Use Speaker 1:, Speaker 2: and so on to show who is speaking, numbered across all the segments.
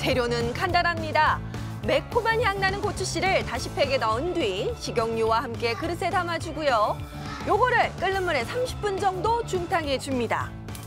Speaker 1: 재료는 간단합니다. 매콤한 향 나는 고추씨를 다시 팩에 넣은 뒤 식용유와 함께 그릇에 담아주고요. 요거를 끓는 물에 30분 정도 중탕해 줍니다.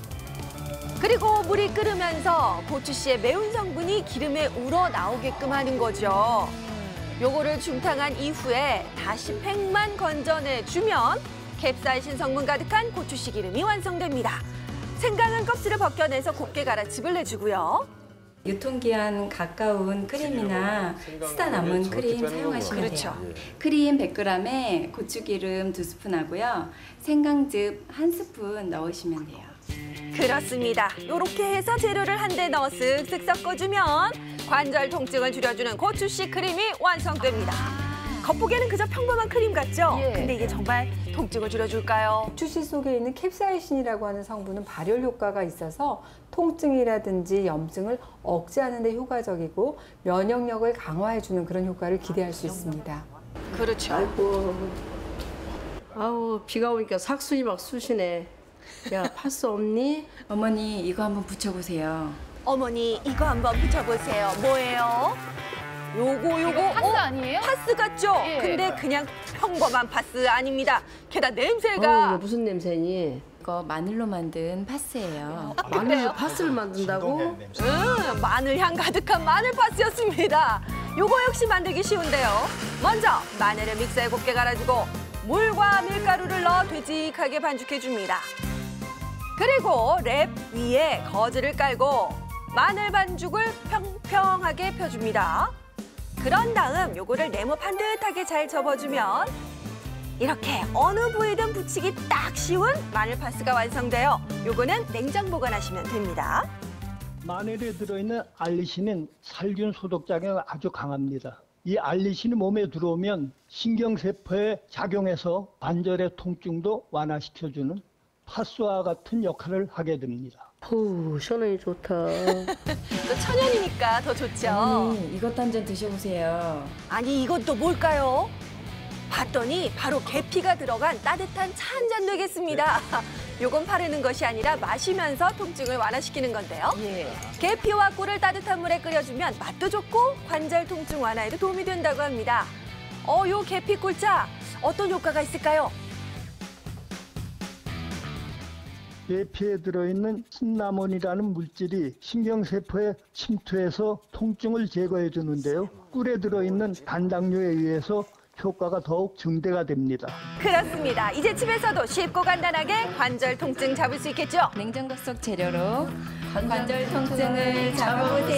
Speaker 1: 그리고 물이 끓으면서 고추씨의 매운 성분이 기름에 우러 나오게끔 하는 거죠. 요거를 중탕한 이후에 다시 팩만 건져내주면 캡사이신 성분 가득한 고추씨 기름이 완성됩니다. 생강은 껍질을 벗겨내서 곱게 갈아 즙을 내주고요.
Speaker 2: 유통기한 가까운 크림이나 쓰다 남은 크림 사용하시면 돼요. 크림 100g에 고추기름 2스푼 하고요. 생강즙 1스푼 넣으시면 돼요.
Speaker 1: 그렇습니다. 이렇게 해서 재료를 한데 넣어 쓱쓱 섞어주면 관절 통증을 줄여주는 고추씨 크림이 완성됩니다. 겉보기에는 그저 평범한 크림 같죠? 근데 이게 정말 통증을 줄여줄까요?
Speaker 3: 고추씨 속에 있는 캡사이신이라고 하는 성분은 발열 효과가 있어서 통증이라든지 염증을 억제하는 데 효과적이고 면역력을 강화해주는 그런 효과를 기대할 수 있습니다.
Speaker 1: 그렇죠.
Speaker 4: 아이고, 아우 비가 오니까 삭순이 막 쑤시네. 야, 파스 없니?
Speaker 2: 어머니 이거 한번 붙여보세요.
Speaker 1: 어머니 이거 한번 붙여보세요. 뭐예요? 요거
Speaker 5: 파스 아니에요?
Speaker 1: 파스 같죠?
Speaker 5: 예.
Speaker 1: 근데 그냥 평범한 파스 아닙니다. 게다가 냄새가
Speaker 4: 이거 무슨 냄새니?
Speaker 2: 이거 마늘로 만든 파스예요.
Speaker 4: 마늘로 파스를 만든다고?
Speaker 1: 마늘 향 가득한 마늘 파스였습니다. 요거 역시 만들기 쉬운데요. 먼저 마늘을 믹서에 곱게 갈아주고 물과 밀가루를 넣어 되직하게 반죽해줍니다. 그리고 랩 위에 거즈를 깔고 마늘 반죽을 평평하게 펴줍니다. 그런 다음 요거를 네모 반듯하게 잘 접어주면 이렇게 어느 부위든 붙이기 딱 쉬운 마늘 파스가 완성돼요. 요거는 냉장 보관하시면 됩니다.
Speaker 6: 마늘에 들어있는 알리신은 살균 소독작용이 아주 강합니다. 이 알리신이 몸에 들어오면 신경세포에 작용해서 관절의 통증도 완화시켜주는 파스와 같은 역할을 하게 됩니다.
Speaker 4: 후, 시원하니 좋다.
Speaker 1: 또 천연이니까 더 좋죠.
Speaker 2: 이것도 한 잔 드셔보세요.
Speaker 1: 아니 이건 또 뭘까요? 봤더니 바로 계피가 들어간 따뜻한 차 한 잔 되겠습니다. 요건 바르는 것이 아니라 마시면서 통증을 완화시키는 건데요. 계피와 꿀을 따뜻한 물에 끓여주면 맛도 좋고 관절 통증 완화에도 도움이 된다고 합니다. 요 계피 꿀차 어떤 효과가 있을까요?
Speaker 6: 계피에 들어있는 신나몬이라는 물질이 신경세포에 침투해서 통증을 제거해 주는데요. 꿀에 들어있는 단당류에 의해서 효과가 더욱 증대가 됩니다.
Speaker 1: 그렇습니다. 이제 집에서도 쉽고 간단하게 관절 통증 잡을 수 있겠죠?
Speaker 2: 냉장고 속 재료로 관절 통증을 잡아보세요.